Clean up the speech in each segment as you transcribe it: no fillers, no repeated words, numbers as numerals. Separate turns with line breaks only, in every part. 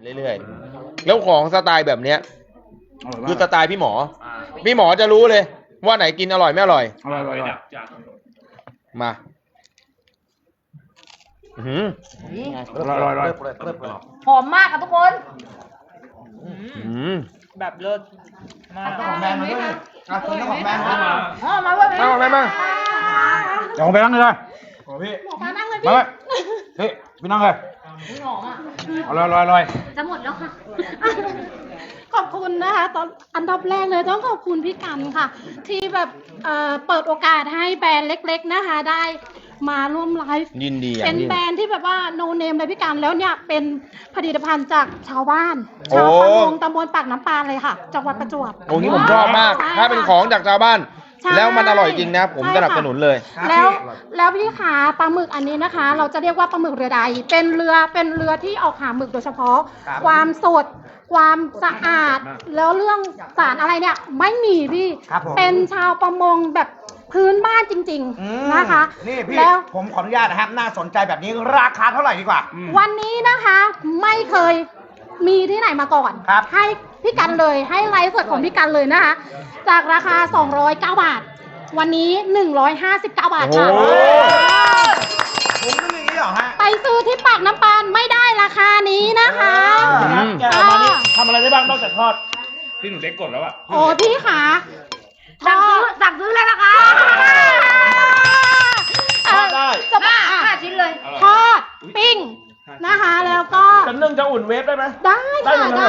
เรื่อยๆแล้วของสไตล์แบบเนี้ยคือสไตล์พี่หมอจะรู้เลยว่าไหนกินอร่อยไม่อร่อยมา
หอมมากค่ะทุกคน
แบบเลิศมาก
ของแบรนด์มาด้วยคุณต้องของแบรนด์มา
มาเลย
มา
เดี๋ยวผมไปนั่งเลยเลยพี่
มานั่งเลย
มา
พี่
เลยพี่ไปนั่งเลย
หอมอ่ะ
อร่อย
จะหมดแล้วค่ะ
ขอบคุณนะคะตอนอันดับแรกเลยต้องขอบคุณพี่กันค่ะ ที่แบบเปิดโอกาสให้แบรนด์เล็กๆนะคะ ได้มาร่วมไลฟ์
ยินดี
เป็น
ยิ่ง
แบรนด์ที่แบบว่าโนเนมเลยพี่กันแล้วเนี่ยเป็นผลิตภัณฑ์จากชาวบ้านชาวประมงตำบลปากน้ำปานเลยค่ะจังหวัดประจวบ
โอ้นี่ผมชอบมากถ้าเป็นของจากชาวบ้าน
ใช่
แล้วมันอร่อยจริงนะผมสนับสนุนเลย
แล้วพี่ขาปลาหมึกอันนี้นะคะ เราจะเรียกว่าปลาหมึกเรือใดเป็นเรือที่ออกหาหมึกโดยเฉพาะ ความสดความสะอาด แล้วเรื่องสารอะไรเนี่ยไม่มีพี่เป็นชาวประมงแบบพื้นบ้านจริงๆนะคะ
นี่พี่
แล้ว
ผมขออนุญาตนะครับน่าสนใจแบบนี้ราคาเท่าไหร่ดีกว่า
วันนี้นะคะไม่เคยมีที่ไหนมาก่อน
ครับ
ให้พี่กันเลยให้ไลฟ์สดของพี่กันเลยนะคะ จากราคา209 บาท วันนี้159 บาทค่ะ
โอ้
ผมไม่มีอย่างนี้หรอฮะ
ไปซื้อที่ปากน้ำปานไม่ได้ราคานี้นะคะ
แกมานี่ทำอะไรได้บ้างนอกจากทอดที่หนูเล็กกดแล้วอะ
โอ้พี่ขา
สั่งซื้อเลยนะคะ
ทอดได้
จะ
ห้าชิ้นเลย
ทอดปิ้งนะคะ แล้วก็
จะนึ่งจะอุ่นเวฟได้ไหม
ได้ค่ะได้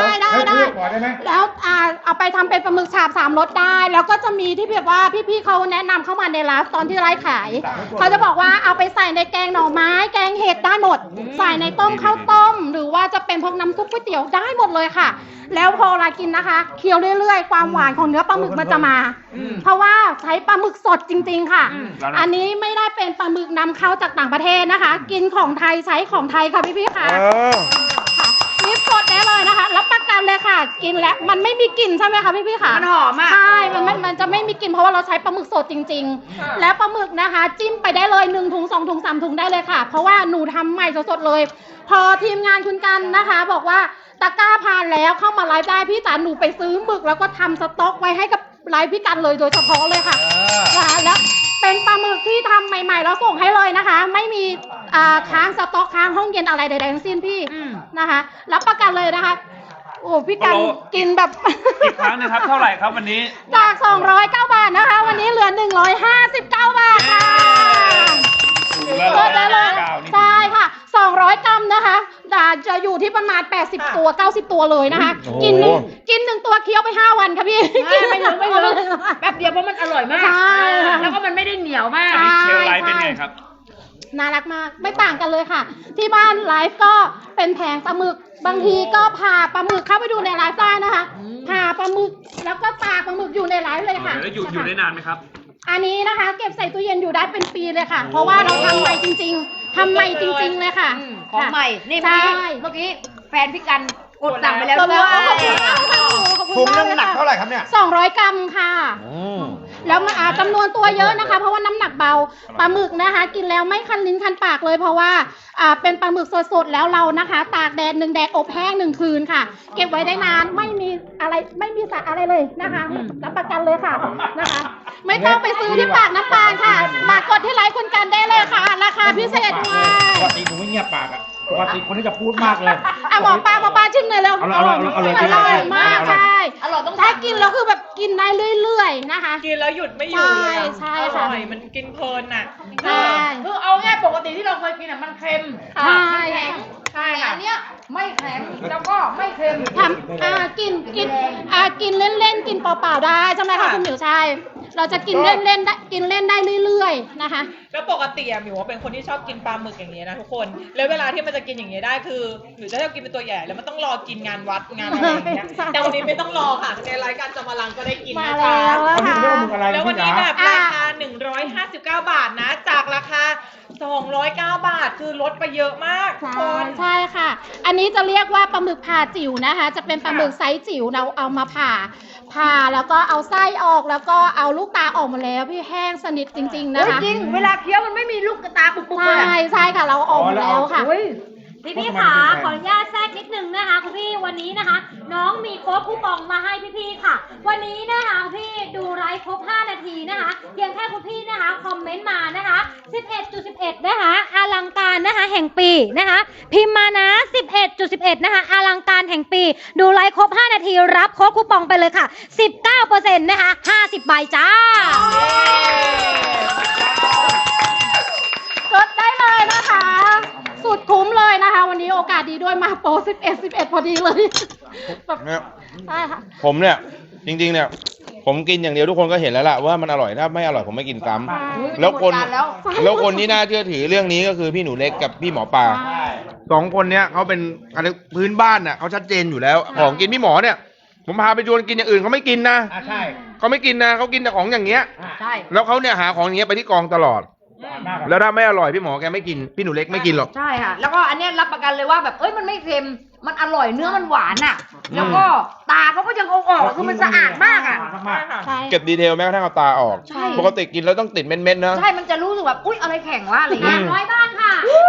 ขอได้ไหม
แล้วเอาไปทำเป็นปลาหมึกฉาบ3รสได้ แล้วก็จะมีที่แบบว่าพี่ๆเขาแนะนำเข้ามาในร้านตอนที่ไลฟ์ขาย เขาจะบอกว่าเอาไปใส่ในแกงหน่อไม้แกงเห็ดได้หมด ใส่ในต้มข้าวต้ม หรือว่าจะเป็นพวกน้ำซุปก๋วยเตี๋ยวได้หมดเลยค่ะ แล้วพอเรากินนะคะเคี้ยวเรื่อยๆความหวานของเนื้อปลาหมึกมันจะมา เพราะว่าใช้ปลาหมึกสดจริงๆค่ะ อันนี้ไม่ได้เป็นปลาหมึกนำเข้าจากต่างประเทศนะคะ กินของไทยใช้ของไทยค่ะพี่ๆค่ะ ค่ะนี่สดได้เลยนะคะรับประกันเลยค่ะ กินแล้วมันไม่มีกลิ่นใช่ไหมคะพี่ๆค่ะ
มันหอมอ่ะ
ใช่มันจะไม่มีกลิ่นเพราะว่าเราใช้ปลาหมึกสดจริงๆ แล้วปลาหมึกนะคะ จิ้มไปได้เลย1ถุง2ถุง3ถุงได้เลยค่ะ เพราะว่าหนูทำใหม่สดๆเลย พอทีมงานคุณกันนะคะ บอกว่าตะกร้าผ่านแล้วเข้ามาไลฟ์ได้พี่จ๋าหนูไปซื้อหมึกแล้วก็ทำสต็อกไว้ให้กับไลฟ์พี่กันเลยโดยเฉพาะเลยค่ะแล้วเป็นปลาหมึกที่ทำใหม่ๆแล้วส่งให้เลยนะคะ ไม่มีค้างสต็อกค้างห้องเย็นอะไรใดๆทั้งสิ้นพี่นะคะรับประกันเลยนะคะ โอ้พี่กันกินแบบ
อีกครั้งนะครับเท่าไหร่ครับวันนี้
จาก209 บาทนะคะ วันนี้เหลือ159 บาทค่ะเปิดได้เลยใช่ค่ะ200 กรัมนะคะจะอยู่ที่ประมาณ80ตัว90ตัวเลยนะคะ กินหนึ่งตัวเคี้ยวไป5วันค่ะพี่กินไม่ถึง
แป๊บเดียวเพราะมันอร่อยมาก
ใช่
แล้วก็มันไม่ได้เหนียวมาก
อันนี้เชลไลท์เป็นไงครับ
น่ารักมากไม่ต่างกันเลยค่ะ ที่บ้านไลฟ์ก็เป็นแผงปลาหมึกบางทีก็ผ่าปลาหมึกเข้าไปดูในไลฟ์ได้นะคะผ่าปลาหมึกแล้วก็ตากปลาหมึกอยู่ในไลฟ์เลยค่ะ
แล้วอยู่ได้นานไหมครับ
อันนี้นะคะ เก็บใส่ตู้เย็นอยู่ได้เป็นปีเลยค่ะ เพราะว่าเราทำใหม่จริงๆทำใหม่จริงๆเลยค่ะ
ของใหม่ นี่
ใช่
เมื่อกี้แฟนพี่กันกดสั่งไปแล้ว
ขอบ
ด้
คุ
วย
ณมากขอบคุณมาก
ถุงนึงหนักเท่าไหร่ครับเนี่ย
200 กรัมค่ะ แล้วมันจำนวนตัวเยอะนะคะ เพราะว่าน้ำหนักเบาปลาหมึกนะคะ กินแล้วไม่คันลิ้นคันปากเลย เพราะว่าเป็นปลาหมึกสดๆแล้วเรานะคะ ตากแดด1 แดดอบแห้ง1 คืนค่ะ เก็บไว้ได้นานไม่มีสารอะไรเลยนะคะรับประกันเลยค่ะนะคะ ไม่ต้องไปซื้อที่ปากน้ำปานค่ะ มากดที่ไลฟ์คุณกันได้เลยค่ะ ราคาพิเศษด้วย
ปกติผมไม่เงียบปากอะปกติคนที่จะพูดมากเลย
หมอปลาชิมหน่อยเร็ว
เอาเลย
อร่อยมากใช่
อร่อยต้อง
ถ้ากินแล้วคือแบบกินได้เรื่อยๆนะคะ
กินแล้วหยุดไม่อยู่เลยอะ
ใช่
อ
ค่ะ
ร่อยมันกินเพลินน่ะ
ใช่
คือเอาง่ายปกติที่เราเคยกินอ่ะมันเค็ม
ใช่
แข็ง
ใช่
อันเนี้ยไม่แข็งแล้วก็ไม่เค็ม
ทำกินเล่นๆกินเปล่าๆได้ใช่ไหมคะคุณหมิวใช่เราจะกินเล่นๆได้กินเล่นได้เรื่อยๆนะคะ
แล้วปกติอะหมิวว่าเป็นคนที่ชอบกินปลาหมึกอย่างนี้ยนะทุกคน แล้วเวลาที่มันจะกินอย่างนี้ยได้คือหมิวจะชอบกินเป็นตัวใหญ่แล้วมันต้องรอกินงานวัดงานอะไรอย่างเงี้ย
ใช่
แต่วันนี้ไม่ต้องรอค่ะในรายการจอมพลังก็ได้กิน
มา
นะ
แล้
คะ
วนะคะ
แล้ววันนี้แบบราคา159 บาทนะ จากราคา209 บาทคือลดไปเยอะมากทุกคน
ใช่ค่ะ อันนี้จะเรียกว่าปลาหมึกผ่าจิ๋วนะคะ จะเป็นปลาหมึกไซส์จิ๋วเราเอามาผ่าแล้วก็เอาไส้ออกแล้วก็เอาลูกตาออกมาแล้วพี่แห้งสนิทจริง ๆ นะคะ
จริง เวลาเคี้ยวมันไม่มีลูกกระตาปุกๆเลย
ใช่ค่ะเราออกมาแล้วค่ะ
เฮ้ย
พี่ขาขออนุญาตแทรกนิดนึงนะคะคุณพี่วันนี้นะคะ น้องมีโค้ดคูปองมาให้พี่ๆค่ะ วันนี้นะคะพี่ดูไลฟ์ครบ5 นาทีนะคะเพียงแค่คุณพี่นะคะคอมเมนต์มานะคะ 11.11 นะคะอลังการนะคะแห่งปีนะคะพิมพ์มานะ 11.11 นะคะอลังการแห่งปีดูไลฟ์ครบ5 นาทีรับโค้ดคูปองไปเลยค่ะ 19% นะคะ50 ใบจ้า
กดได้เลยนะคะ สุดคุ้มเลยนะคะ วันนี้โอกาสดีด้วยมาโปร11 พอดีเลยแบบ
เนี่ย
ใช่ค่ะ
ผมเนี่ยจริงๆเนี่ยผมกินอย่างเดียวทุกคนก็เห็นแล้วล่ะว่ามันอร่อยถ้าไม่อร่อยผมไม่กินซ้ำแล้วคนที่น่าเชื่อถือเรื่องนี้ก็คือพี่หนูเล็กกับพี่หมอปลาสองคนเนี้ยเขาเป็นอะไรพื้นบ้านน่ะเขาชัดเจนอยู่แล้วของกินพี่หมอเนี่ยผมพาไปชวนกินอย่างอื่นเขาไม่กินนะ
ใช่
เขาไม่กินนะเขากินแต่ของอย่างเงี้ย
ใช่
แล้วเขาเนี่ยหาของอย่างเงี้ยไปที่กองตลอด แล้วถ้าไม่อร่อยพี่หมอแกไม่กินพี่หนูเล็กไม่กินหรอก
ใช่ค่ะ แล้วก็อันเนี้ยรับประกันเลยว่าแบบมันไม่เค็มมันอร่อยเนื้อมันหวานอ่ะ แล้วก็ตาเขาก็ยังเอาออกคือมันสะอาดมากอ่ะ
ใช่
เก็บดีเทลแม้กระทั่งเอาตาออก
ใช่
ปกติกินแล้วต้องติดเม็ดๆนะ
ใช่มันจะรู้สึกแบบอุ๊ยอะไรแข็งวะอะไรเงี้ย
ร้อยบ้านค่ะ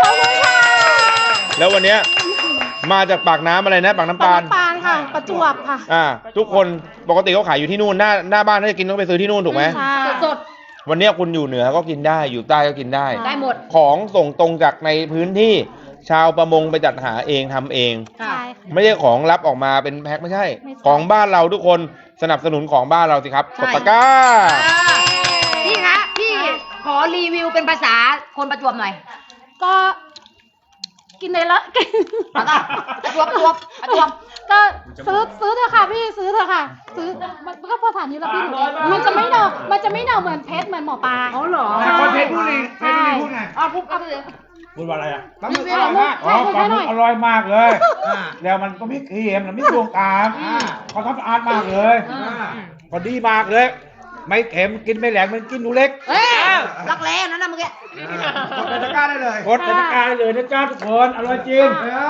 แล้ววันเนี้ยมาจากปากน้ำอะไรนะปากน้ำปาน
ปานค่ะ ประจวบค่ะ
ทุกคนปกติเขาขายอยู่ที่นู่นหน้าบ้านถ้าจะกินต้องไปซื้อที่นู่นถูกไหม
ใช่
สด
วันเนี้ยคุณอยู่เหนือก็กินได้อยู่ใต้ก็กินได้
ๆได้หมด
ของส่งตรงจากในพื้นที่ชาวประมงไปจัดหาเองทำเอง
ใช่ค่ะ
ไม่ใช่ของรับออกมาเป็นแพ็คไม่ใช่
ไม่ใช่
ของบ้านเราทุกคนสนับสนุนของบ้านเราสิครับ
ใช่
กดตะกร้า
พี่คะพี่ขอรีวิวเป็นภาษาคนประจวบหน่อย
ก็กินในละกิน
ประจวบ
ก็ซื้อเถอะค่ะพี่ซื้อเถอะค่ะ ซื้อมันก็ภาษานี้แล้วพี่หนูมันจะไม่เดาเหมือนเพชรเหมือนหมอปลา
อ๋อเหรอ
ใช่
คนเพชรบุรีเพชรบุรีพูดไง
พูดเอาไปเลย
พูดว่าอะไรอ่ะ
ปลาหมึกอร่อยมาก
อ๋อปลาหมึกอร่อยมากเลย
อ่า
แล้วมันก็ไม่เค็มแล้วไม่ดวงตาม
อืม
เขาทำสะอาดมากเลย พอดีมากเลย ไม่เค็มกินไม่แหลงมันกินหนูเล็ก
เฮ้ยรักแร้นั่นนะเมื่อกี้
กดในตะกร้าได้เลยกดในตะกร้าได้เลยนะจ้าทุกคนอร่อยจริง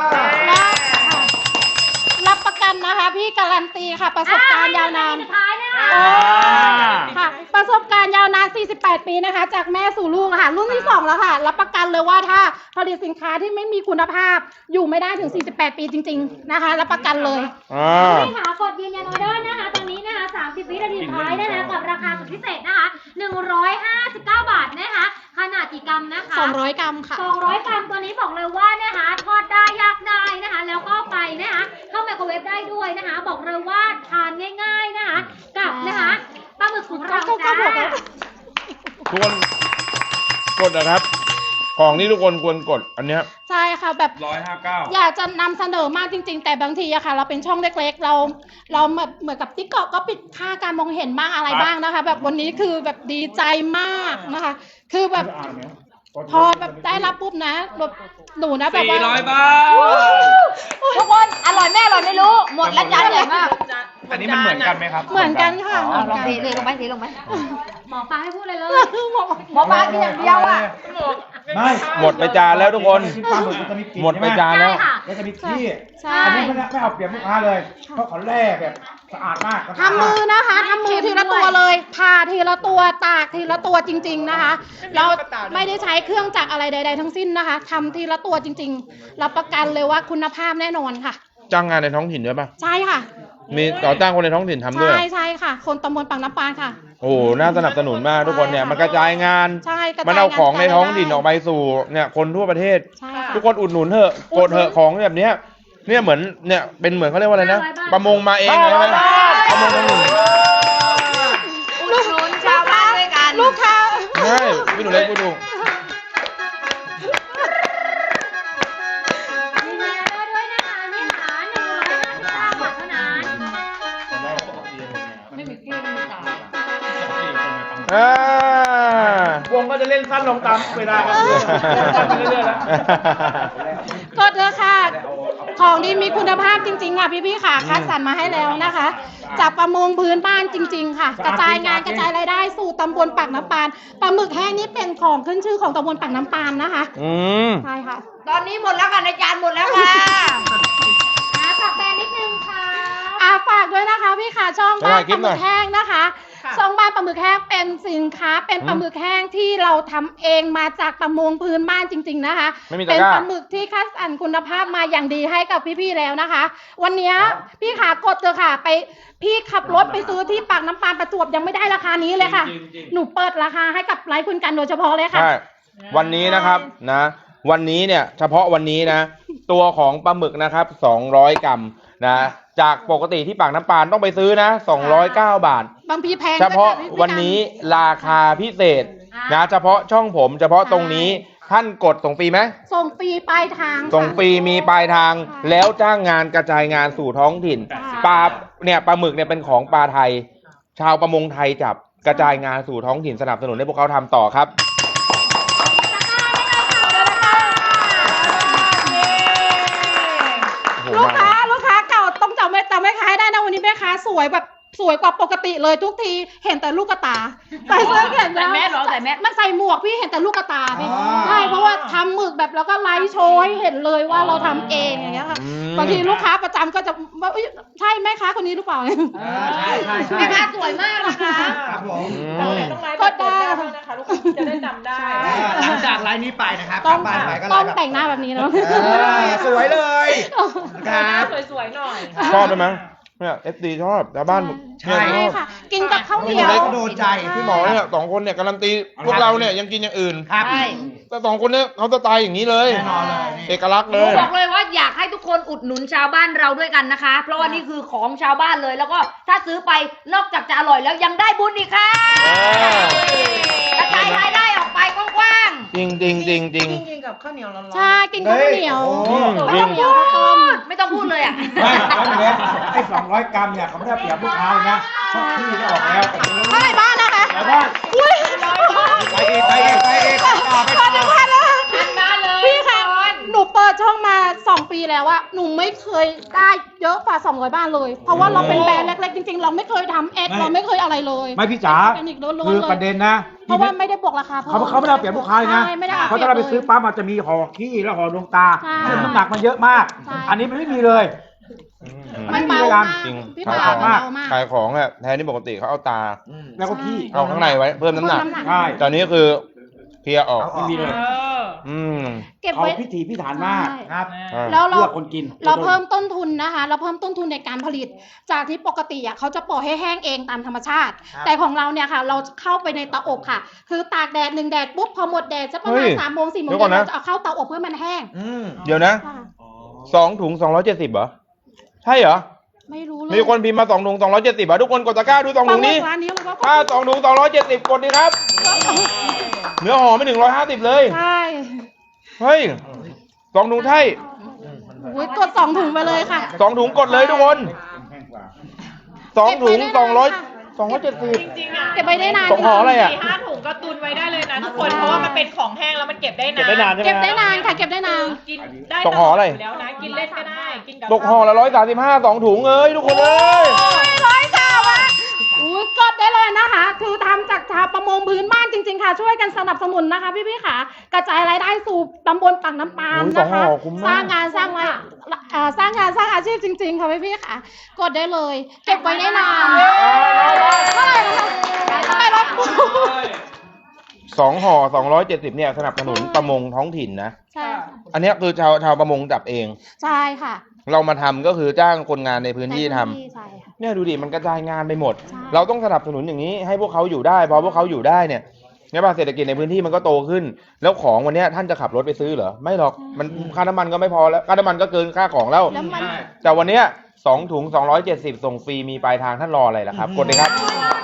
รับประกันนะคะ พี่การันตีค่ะ ประสบการณ์ยาวนาน
สุดท้ายนะคะ
ค่ะ ประสบการณ์ยาวนาน 48 ปีนะคะ จากแม่สู่ลูกค่ะ รุ่นที่ 2 แล้วค่ะ รับประกันเลยว่าถ้าผลิตสินค้าที่ไม่มีคุณภาพ อยู่ไม่ได้ถึง 48 ปีจริง ๆ นะคะ รับประกันเลย
ใช่ค่ะกดยืนยันออเดอร์นะคะ ตอนนี้นะคะ30 วินาทีสุดท้ายนะคะกับราคาสุดพิเศษนะคะ159 บาทนะคะ ขนาดกี่กรัมนะคะ
200 กรัมค่ะ
200 กรัมตัวนี้บอกเลยว่านะคะทอดได้ย่างได้นะคะ แล้วก็ไปนะคะเข้าไมโครเวฟได้ด้วยนะคะ บอกเลยว่าทานง่าย ๆนะคะกับนะคะปลาหมึกของเราจ้า
ทุกคนกดนะครับ ของที่ทุกคนควรกดอันเนี้ย
ใช่ค่ะแบบ
159
อยากจะนำเสนอมากจริง ๆ แต่บางทีอะค่ะ เราเป็นช่องเล็กๆ เราแบบเหมือนกับติ๊กต็อกก็ปิดค่าการมองเห็นบ้างอะไรบ้างนะคะ แบบวันนี้คือแบบดีใจมากนะคะ คือแบบพอแบบได้รับปุ๊บนะแบบหนูนะแบบว่า
400 บาท
ทุกคนอร่อยแม่อร่อยไม่รู้ หมดแล้วจานใหญ่มาก
อันนี้มันเหมือนกันไหมครับ
เหมือนกันค่ะ
ลองเทลงไป
หมอปลาให้พูดเลยเลย
หมอปลากินอย่างเดียวอ่ะ
ไม่
หมดไปจานแล้วทุกคน
กินปลาหมึกมันจะมีกลิ่น
หมดไปจานแล้ว
ใช่ค่ะ
แล้วจะมีขี้
ใช่
อันนี้ไม่เอาเปรียบลูกค้าเลย เพราะเขาแล่แบบสะอาดมาก
ทำมือนะคะทำมือทีละตัวเลยผ่าทีละตัวตากทีละตัวจริง ๆนะคะ เราไม่ได้ใช้เครื่องจักรอะไรใด ๆ ทั้งสิ้นนะคะทำทีละตัวจริงๆรับประกันเลยว่าคุณภาพแน่นอนค่ะ
จ้างงานในท้องถิ่นด้วยป่ะ
ใช่ค่ะ
มีต่อจ้างคนในท้องถิ่นทำด้วย
ใช่ค่ะ คนตำบลปากน้ำปานค่ะ
โอ้โหน่าสนับสนุนมากทุกคนเนี่ย มันกระจายงาน
ใช่กระจายงาน
มันเอาของในท้องถิ่นออกไปสู่เนี่ยคนทั่วประเทศ
ใช่ค่ะ
ทุกคนอุดหนุนเถอะกดเถอะของแบบเนี้ยเนี่ยเหมือนเนี่ยเป็นเหมือนเขาเรียกว่าอะไรนะประมงมาเองเลยนะประมงท้องถิ่น
อุดหนุนชาวบ้านด้วยกัน
ลูกค้า
ใช่พี่หนูเล็กพูดถูก
ยืนยันออเดอร์ด้วยนะคะนี่ค่ะ159 บาทเท่านั้น
วงก็จะเล่นสั้นลงตามเวลาครับเล่นสั้นไปเรื่อยๆแล้ว
กดเถอะค่ะ ของดีมีคุณภาพจริงๆค่ะพี่ๆค่ะคัดสรรมาให้แล้วนะคะ จากประมงพื้นบ้านจริง ๆ ค่ะ กระจายงานกระจายรายได้สู่ตำบลปากน้ำปานปลาหมึกแห้งนี่เป็นของขึ้นชื่อของตำบลปากน้ำปานนะคะ
อืม
ใช่ค่ะ
ตอนนี้หมดแล้วค่ะในจานหมดแล้วค่ะ
ฝากแบรนด์นิดนึงค่ะ
ฝากด้วยนะคะพี่ค่ะช่องบ้านปลาหมึกแห้งนะคะซองบ้านปลาหมึกแห้งเป็นสินค้าเป็นปลาหมึกแห้งที่เราทำเองมาจากประมงพื้นบ้านจริง ๆนะคะ
ไม่มีตะ
เป็น
กร้า
ปลาหมึกที่คัดสรรคุณภาพมาอย่างดีให้กับพี่ๆแล้วนะคะ วันนี้พี่ขากดเถอะค่ะไปพี่ขับรถไปซื้อที่ปากน้ำปานประจวบยังไม่ได้ราคานี้เลยค่ะ หนูเปิดราคาให้กับไลฟ์คุณกันโดยเฉพาะเลยค่ะ
ใช่วันนี้นะครับนะ วันนี้เนี่ยเฉพาะวันนี้นะ ตัวของปลาหมึกนะครับ200 กรัมนะ จากปกติที่ปากน้ำปานต้องไปซื้อนะ209 บาท
บางทีแพง
เฉพาะ
ด้วยค่พี่
วันนี้ราคาพิเศษนะเฉพาะช่องผมเฉพาะตรงนี้ท่านกดส่งฟรีไหม
ส่งฟรีปลายทางค่ะ
ส่งฟรีมีปลายทางแล้วจ้างงานกระจายงานสู่ท้องถิ่น
ค่ะ
ปลาเนี่ยปลาหมึกเนี่ยเป็นของปลาไทย ชาวประมงไทยจับกระจายงานสู่ท้องถิ่นสนับสนุนให้พวกเขาทำต่อครับโอ้โห
ลูก
มา
ค้าเก่าต้องจำแม่ค้าให้ได้นะวันนี้แม่ค้าสวยแบบสวยกว่าปกติเลยทุกทีเห็นแต่ลูกกระตาใส่เสื้อแขนยาว
ใส่แมสเหรอใส่แมส
มันใส่หมวกพี่เห็นแต่ลูกกระตาพี่
อ๋อ
ใช่เพราะว่าทำหมึกแบบแล้วก็ไลฟ์โชว์ให้เห็นเลยว่าเราทำเองอย่างเงี้ยค่ะ
อืม
บางทีลูกค้าประจำก็จะว่าอุ๊ยใช่แม่ค้าคนนี้หรือเปล่า
ใช่
แม่ค้าสวยมากนะคะ
ครับผม
เราเนี่ยต้องไลฟ์แบบเปิดหน้าบ้างนะคะลูกค้าจะได้จำได้
หลังจากไลน์นี้ไปนะครับ
ต้อง
กลับบ้านไปก็
ต้อง
ไลน์
แต่งหน้าแบบนี้เนาะ
สวยเลย
หน้าสวยๆหน่อย
ชอบไหมเนี่ยเอฟซีชอบชาวบ้าน
ใช่
เนี่ยชอบ
ค่ะ กินกับข้าวเหนียว
เล็กโดนใจ
พี่หมอเนี่ยสองคนเนี่ยการันตีพวกเราเนี่ยยังกินอย่างอื่น
ครับ
ใช่
แต่สองคนเนี่ยเขาสไตล์อย่างนี้เลย
แน่นอนเลยนี่
เอกลักษณ์
ห
เล
นู
ย
บอกเลยว่าอยากให้ทุกคนอุดหนุนชาวบ้านเราด้วยกันนะคะ เพราะว่านี่คือของชาวบ้านเลย แล้วก็ถ้าซื้อไปนอกจากจะอร่อยแล้วยังได้บุญอีกค่ะกระจายรายได้ออกไปกว้าง
จริงจริงจริงจริง
กินกับข้าวเหนียวร้อนๆ
ใช่กินกับข้าวเหนียว
เฮ้ย
ๆ
จริง
เหนียวข้าวต้ม
ไม่ต้องพูดเลยอ่ะ
ไม่แล้วเนี่ยไอ้200 กรัมเนี่ยเขาไม่ได้เปรียบลูกค้าเลยนะช่องที่ก็ออกแล้วแต่ไม่รู้
เท่าไหร่บ้านนะคะ
แต่ว่า
อุ้ย
ไปอีกต่อไปต่อ
พันแล้วค่ะ
มาเลย
พี่คะหนูเปิดช่องมา 2 ปีแล้วอะหนูไม่เคยได้เยอะกว่า200 บ้านเลย เพราะว่าเราเป็นแบรนด์เล็กๆจริงๆ เราไม่เคยทำแอดเราไม่เคยอะไรเลย
ไม่พี่จ๋า
เป็นออร์แกนิกล้วนๆ
คือ
เลย
ประเด็นนะ
เพราะว่าไม่ได้บวกราคา
เขาไม่ได้เอาเปรียบลูกค้าเลยนะ
ใช่ไม่ได้เอา
เพราะถ้าเราไปซื้อปั๊บมันจะมีห่อขี้แล้วห่อดวงตา
ใช่
ซึ่งน้ำหนักมันเยอะมาก
ใช่
อันนี้มันไม่มีเลย
มันเบามาก
จริง
พี่
ขาย
ปา
ของ
เบามาก
ขายของเนี่ยแทนที่ปกติเขาเอาตา
แล้วก็ขี้
เอาข้างในไว้เพิ่มน้ำหนัก
ใช่
ตอนนี้คือเคลียร์ออก
ไม่มีเลย
อืม
เก็บ
เขา
ไว้
พิถีพิถันมาก
ใช่
ครับ
แล้วเรา
เพื่อคนกิน
เราเพิ่มต้นทุนนะคะ เราเพิ่มต้นทุนในการผลิต จากที่ปกติอ่ะเขาจะปล่อยให้แห้งเองตามธรรมชาติ
ครับ
แต่ของเราเนี่ยค่ะ เราเข้าไปในเตาอบค่ะ คือตากแดด1 แดดปุ๊บพอหมดแดดจะประมาณ
เฮ้ย
3 โมง 4 โมง
เดี๋ยวก่อนนะ
เราจะเอาเข้าเตาอบเพื่อมันแห้ง
เดี๋ยวนะ
ค่ะ
2 ถุง 270เหรอ ใช่เหรอ
ไม่รู้เลย
มีคนพิมพ์มา 2 ถุง 270เหรอทุกคนกดตะกร้าดู 2 ถุงนี้
ร้านนี้เราก็
ถ้า2 ถุง 270 กดดีครับ เนื้อหอมไม่ถึง150เลย
ใช่
เฮ้ย2 ถุงใช่
โอ้ยกด2 ถุงไปเลยค่ะ
2 ถุงกดเลยทุกคน 2 ถุง 270
จริงๆอ่ะ
เก็บไว้ได้นาน
สองห่ออะไรอะ
4-5 ถุงก็ตุนไว้ได้เลยนะทุกคน เพราะว่ามันเป็นของแห้งแล้วมันเก็บได้นาน
เก็บได้นานใช่ไหม
เก็บได้นานค่ะ เก็บได้นาน
กินได้
ตกห่ออะไร
ยู่แล้วนะ กินเล่นก็ได้ กินกับ
ตกห่อละ135 2 ถุงเอ้ยทุกคนเอ้ย
ร้อยค่ะว่ะอุ้ยกดได้เลยนะคะ คือทำจากชาวประมงพื้นบ้านจริงๆค่ะ ช่วยกันสนับสนุนนะคะ พี่ๆค่ะ กระจายรายได้สู่ตำบลปากน้ำปาน
โอ้ย
นะคะ
สองห่อคุ้มมาก
สร้างงานสร้างรายสร้างงานสร้างอาชีพจริง ๆ ค่ะพี่ๆค่ะ กดได้เลย เก็บไว้ได้นานเท่าไหร่นะคะเท่าไหร่รถ
2 ห่อ 270เนี่ยสนับสนุนประมงท้องถิ่นนะ
ใช่
อันเนี้ยคือชาวประมงจับเอง
ใช่ค่ะ
เรามาทำก็คือจ้างคนงานในพื้นที่ทำ
ใช่ค่ะ
เนี่ยดูดิมันกระจายงานไปหมด
ใช่
เราต้องสนับสนุนอย่างนี้ให้พวกเขาอยู่ได้พอพวกเขาอยู่ได้เนี่ยเนี่ยป่ะเศรษฐกิจในพื้นที่มันก็โตขึ้น แล้วของวันเนี้ยท่านจะขับรถไปซื้อเหรอไม่หรอกมันค่าน้ำมันก็ไม่พอแล้วค่าน้ำมันก็เกินค่าของแล้ว
แล้วมัน
แต่วันเนี้ย2 ถุง 270 ส่งฟรีมีปลายทางท่านรออะไรล่ะครับกดเลยครับ